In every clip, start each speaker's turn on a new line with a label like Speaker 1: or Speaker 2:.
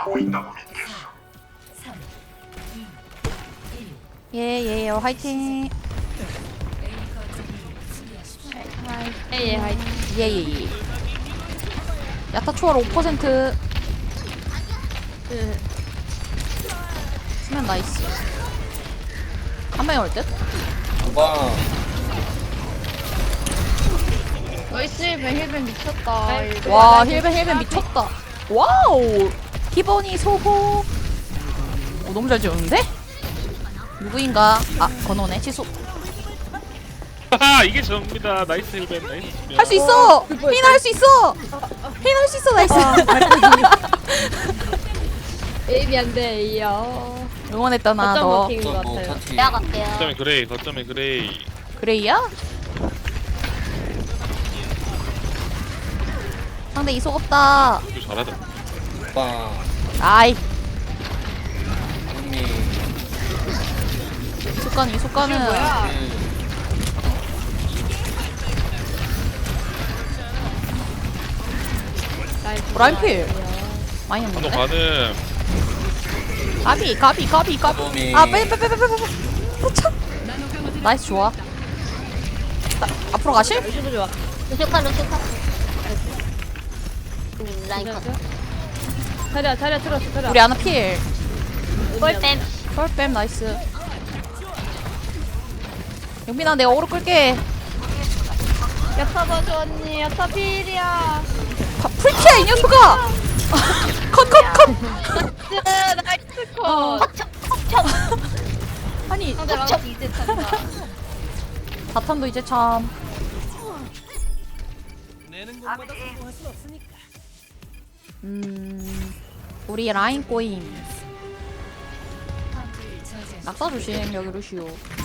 Speaker 1: 예예요 화이팅.
Speaker 2: 예예 화이팅.
Speaker 1: 예예예. 야타 초월 5%. 수면 나이스. 한 명이 올 듯?
Speaker 3: 누가
Speaker 2: 나이스 힐벤 미쳤다. 이거.
Speaker 1: 와 힐벤 미쳤다. 와우 기본이 소호. 오, 너무 잘 지었는데? 누구인가? 아 건호네 취소.
Speaker 4: 하하 이게 접니다. 나이스 힐벤 나이스.
Speaker 1: 할 수 있어. 흰 할 수 있어. 흰 할 수 있어. 나이스.
Speaker 2: 에임이 안 돼요.
Speaker 1: 응원했다 나
Speaker 2: 어쩜
Speaker 1: 너.
Speaker 2: 버틴 것
Speaker 3: 뭐
Speaker 2: 같아요.
Speaker 3: 터치
Speaker 5: 내가 갈게요.
Speaker 4: 거점에 그레이 거점에 그레이.
Speaker 1: 그레이야? 상대 이속 없다.
Speaker 4: 이거 잘하다.
Speaker 3: 빵
Speaker 1: 아이
Speaker 3: 언니
Speaker 1: 이속가는 이속가는.
Speaker 2: 뭐야?
Speaker 1: 라인필 많이
Speaker 4: 한번
Speaker 1: 했는데?
Speaker 4: 가는.
Speaker 1: 가비
Speaker 3: 도미.
Speaker 1: 아 빼 나이스 좋아. 앞으로 가실?
Speaker 2: 루시도 좋아.
Speaker 5: 루시카. 라인 컷.
Speaker 2: 자리야 틀었어 자리야.
Speaker 1: 우리 아나 필.
Speaker 5: 꿀뱀.
Speaker 1: 펄뱀 나이스. 영빈아 내가 오로 끌게.
Speaker 2: 야타 봐줘 언니. 야타 필이야.
Speaker 1: 풀피야 이 녀석아. 컷.
Speaker 2: 나이스 컷.
Speaker 1: 아니
Speaker 2: 상대 라이 이제 찬다.
Speaker 1: 바텀도 이제 참. 우리 라인 꼬임. 낙사 조심 여기 루시오.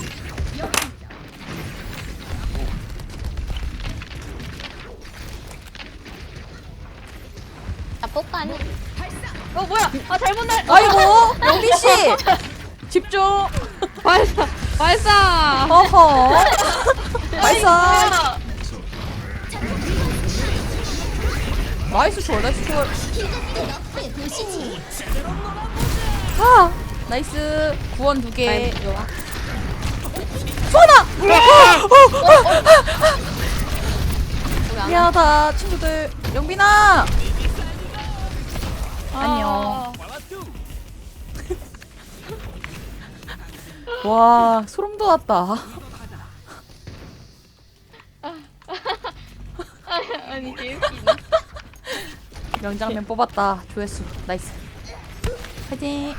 Speaker 5: 나 뽀까 아니?
Speaker 2: 뭐야? 아 잘못 날.
Speaker 1: 아이고 영빈 씨 집중.
Speaker 2: 발사.
Speaker 1: 허허. 발사. 나이스 초월. 아 나이스 구원 2개. 소나. 미안하다 친구들. 영빈아. 안녕. 와 소름 돋았다.
Speaker 2: 아니 개웃기네.
Speaker 1: 명장면 뽑았다. 조회수 나이스. 파이팅.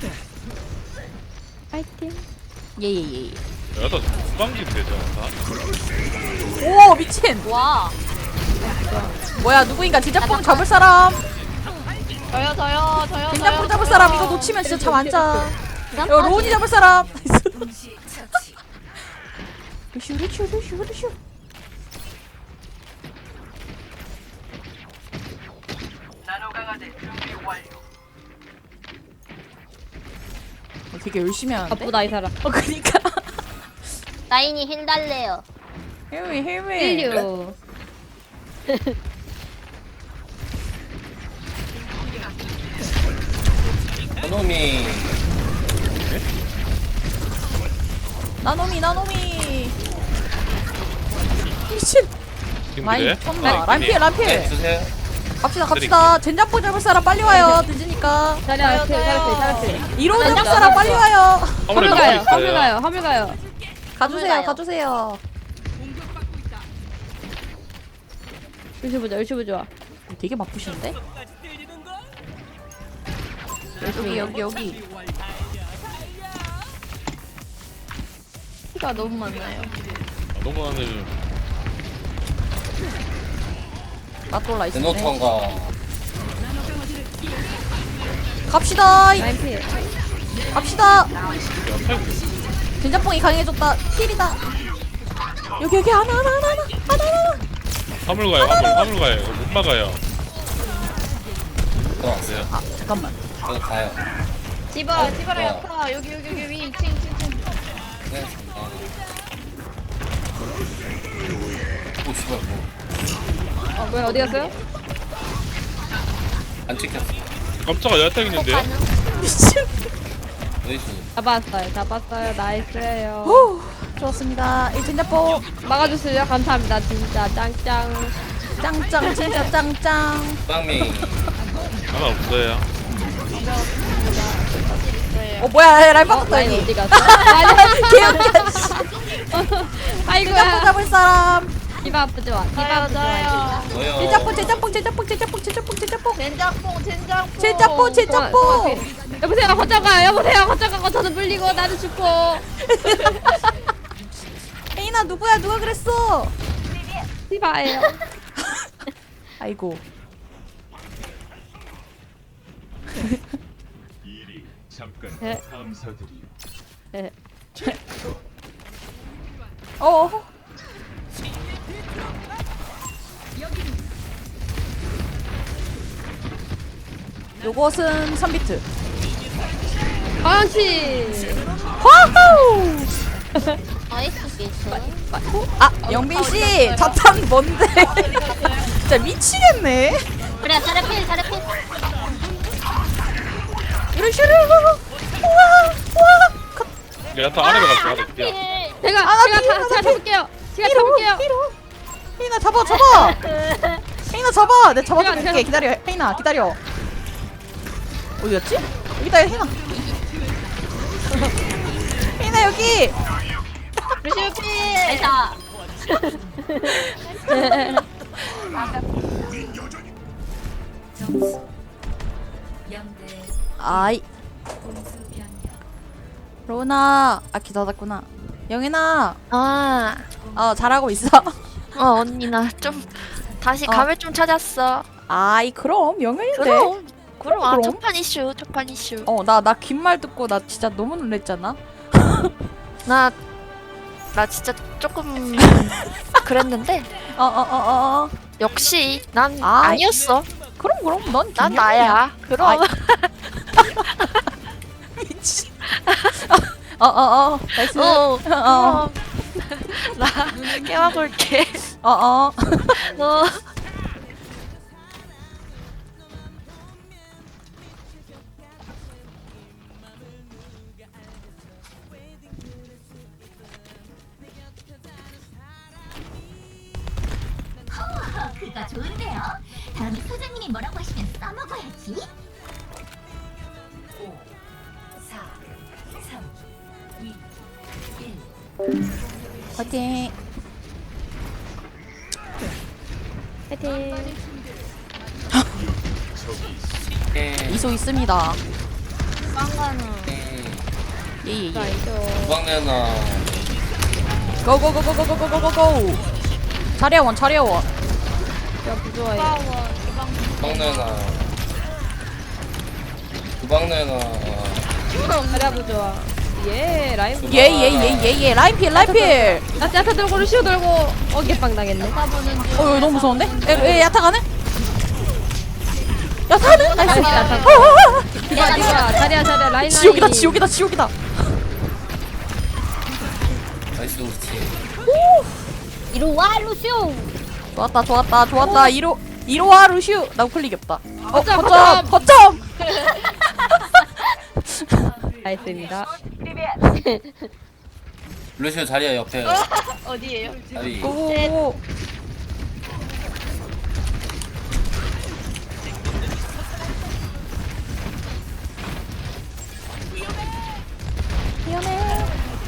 Speaker 1: 예예예.
Speaker 4: 야나 후방진 되잖아.
Speaker 1: 오 미친.
Speaker 5: 와.
Speaker 1: 뭐야 누구인가 진짜뽕 잡을 사람.
Speaker 2: 저요.
Speaker 1: 된장뽕 잡을 사람. 이거 놓치면 진짜 잠 안 자. 이거 로운이 잡을 사람. 루슈. 되게 열심히 하는데?
Speaker 2: 바쁘다 이 사람.
Speaker 1: 그니까.
Speaker 5: 라인이 힐 달래요.
Speaker 1: 헬미.
Speaker 2: 힐류.
Speaker 3: 도미
Speaker 1: 나노미. 미친.
Speaker 4: 지금
Speaker 1: 많이
Speaker 4: 그래?
Speaker 1: 미쳤나. 람필.
Speaker 3: 네 주세요
Speaker 1: 갑시다. 젠장뽕 잡을 사람 빨리 와요. 늦으니까.
Speaker 2: 자리야 잘했어.
Speaker 1: 이로 잡을 사람 빨리 와요.
Speaker 4: 화물에
Speaker 2: 화물
Speaker 4: 누구
Speaker 2: 가요.
Speaker 4: 있어요?
Speaker 2: 화물 가요.
Speaker 1: 가주세요.
Speaker 2: 루시 보자.
Speaker 1: 되게 바쁘신데? 여기.
Speaker 2: 피가 너무 많나요?
Speaker 4: 동안을
Speaker 1: 맞돌라 있네.
Speaker 3: 데노턴가
Speaker 1: 갑시다.
Speaker 2: 라인 필.
Speaker 1: 갑시다.
Speaker 4: 야타고
Speaker 1: 된장뽕이 강해졌다. 힐이다. 여기 하나.
Speaker 4: 화물 가요. 못 막아요.
Speaker 3: 들어왔어요
Speaker 1: 아 잠깐만.
Speaker 3: 저도 가요
Speaker 2: 디바랑 야타 여기 위 2층.
Speaker 3: 네 오 씨발 뭐안
Speaker 2: 뭐야 어디 갔어요?
Speaker 3: 찍혔어
Speaker 4: 깜짝아 야타 있는데요?
Speaker 1: 미친.
Speaker 3: 나이스.
Speaker 2: 잡았어요. 나이스예요.
Speaker 1: 후, 좋았습니다. 일진자뽀.
Speaker 2: 막아주세요. 감사합니다. 진짜 짱짱.
Speaker 1: 짱짱, 진짜 짱짱.
Speaker 3: 빵미.
Speaker 4: 하나 없어요.
Speaker 1: 뭐야, 라인 바꿨다,
Speaker 2: 라인
Speaker 1: 여기.
Speaker 2: 어디 갔어?
Speaker 1: 개웃겨, 씨. 일자뽀
Speaker 2: 아이고야.
Speaker 1: 잡을 사람.
Speaker 2: 디바 아프지 마. 디바 아프지 마.
Speaker 3: 뭐요?
Speaker 1: 제자뽕, 제자뽕, 제자뽕, 제자뽕, 제자뽕, 제자뽕.
Speaker 2: 젠장뽕.
Speaker 1: 제자뽕, 제자뽕.
Speaker 2: 여보세요. 거쳐가. 저는 물리고 나도 죽고.
Speaker 1: 에이나, 누구야? 누가 그랬어?
Speaker 2: 디바예요.
Speaker 1: 아이고.
Speaker 6: 일이 잠깐
Speaker 2: 네.
Speaker 6: 감사드리요.
Speaker 2: 네.
Speaker 1: 어. 요것은 3비트.
Speaker 2: 방치.
Speaker 1: 와우!
Speaker 5: 나이스 비트.
Speaker 1: 아, 영빈씨! 자탄 뭔데? 진짜 미치겠네.
Speaker 5: 그래 사례필.
Speaker 1: 이러시르. 우와!
Speaker 4: 야타 아래로 갔어. 아래. 야.
Speaker 5: 필.
Speaker 2: 제가 잡을게요.
Speaker 1: 혜인아, 잡아! 혜인아, 잡아! 내가 잡아줄게. 기다려. 혜인아, 기다려. 어디였지? 여기다, 혜인아. 혜인아, 여기!
Speaker 2: 루시우피.
Speaker 5: 나이사.
Speaker 1: 아이. 로나. 아, 기다렸구나. 영인아. 잘하고 있어.
Speaker 7: 언니 나 좀 다시 감을 좀 찾았어.
Speaker 1: 아이, 그럼. 영인인데.
Speaker 7: 그럼
Speaker 1: 그럼.
Speaker 7: 첫판 이슈.
Speaker 1: 나 긴 말 듣고 나 진짜 너무 놀랬잖아.
Speaker 7: 나 진짜 조금 그랬는데 역시 난
Speaker 1: 아,
Speaker 7: 아니었어.
Speaker 1: 그럼 넌
Speaker 7: 난
Speaker 1: 김영민이야.
Speaker 7: 나야. 그럼
Speaker 1: 아이. 미친. 나이스.
Speaker 7: 그럼 나 깨워볼게. 너
Speaker 8: 그거 좋은데요? 다음에 소장님이 뭐라고 하시면 써먹어야지. 5, 4, 3, 2, 1.
Speaker 1: 화이팅.
Speaker 2: 파이팅.
Speaker 1: 이소 있습니다. 예예예.
Speaker 2: 나이스.
Speaker 3: 주방내나.
Speaker 1: 고고고고고고고고고. 자리야원.
Speaker 2: 제가 부조화예요.
Speaker 3: 주방내나. 주방내나.
Speaker 2: 자리야 부조화. 예, 라인.
Speaker 1: 예예예예예. 라인필.
Speaker 2: 야타 들고 루시우 들고 어깨빵 당했네.
Speaker 1: 이거 너무 무서운데? 야타 가네? 야타 가네? 나이스.
Speaker 2: 야타. 디바 자리야 라인.
Speaker 1: 지옥이다.
Speaker 3: 나이스 우리 팀.
Speaker 5: 이리 와 루시오.
Speaker 1: 좋았다. 이로와 루슈. 나 우클릭이 없다. 거점.
Speaker 2: 나이스입니다.
Speaker 3: 루시오 자리야 옆에.
Speaker 2: 어디에요?
Speaker 3: 자리.
Speaker 1: 오. 미안해.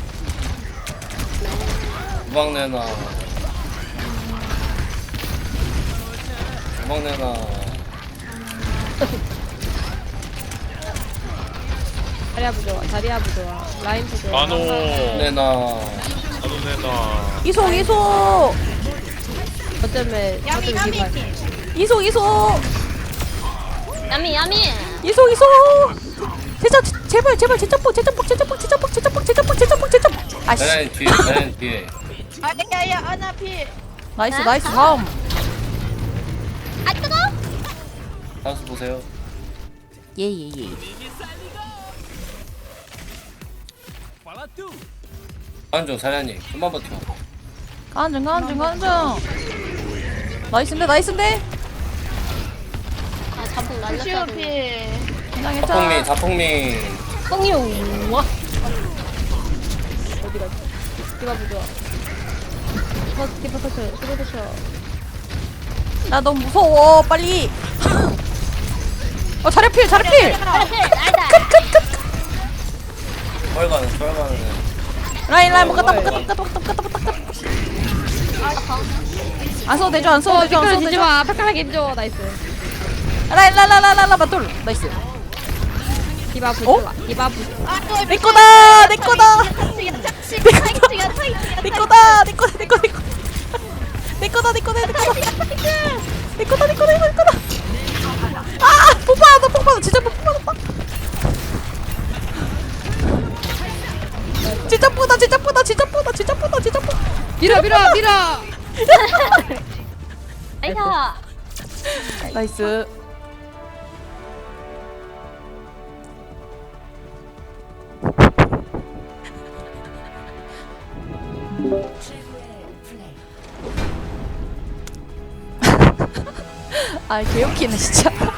Speaker 3: 주방내나. 주방내나.
Speaker 2: 자리야 부조화. 라인 부조화.
Speaker 4: 아노.
Speaker 3: 내나.
Speaker 4: 아노네나.
Speaker 1: 이소.
Speaker 2: 어쩌면 디바.
Speaker 1: 이소.
Speaker 5: 야미.
Speaker 1: 이소. 제발 제자뽕. 아씨.
Speaker 3: 자리야 뒤에.
Speaker 2: 아야야 아나피.
Speaker 1: 나이스 다음.
Speaker 5: 아 뜨거.
Speaker 3: 다수 보세요.
Speaker 1: 예예예.
Speaker 3: 안중 자리야님 좀만 버텨.
Speaker 1: 간중. 나이스인데.
Speaker 5: 반복
Speaker 2: 루시오
Speaker 5: 날렸다.
Speaker 2: 피.
Speaker 3: 자폭미
Speaker 1: 긴장했자.
Speaker 3: 자폭미.
Speaker 5: 뽕이요. 와.
Speaker 2: 어디 갔지? 디바 부좋아. 디바 커트. 디바 커트.
Speaker 1: 나 너무 무서워. 빨리. 자리필 자리필.
Speaker 5: 잘해. 알다.
Speaker 3: 철가는.
Speaker 1: 라인 먹었다. 안 써도 되죠 안 써도 되죠 안 써도 되죠.
Speaker 2: 마. 편하게 해줘. 나이스.
Speaker 1: 라인 맞돌. 나이스.
Speaker 2: 디바 부좋아. 디바 부좋아.
Speaker 1: 내 거다 내 거다. 내 거다. 아, 못 받았다. 진짜 못 받았다. 진짜 뻔다.
Speaker 2: 밀어.
Speaker 5: 아이가.
Speaker 1: 나이스. 아, 개웃기네 진짜.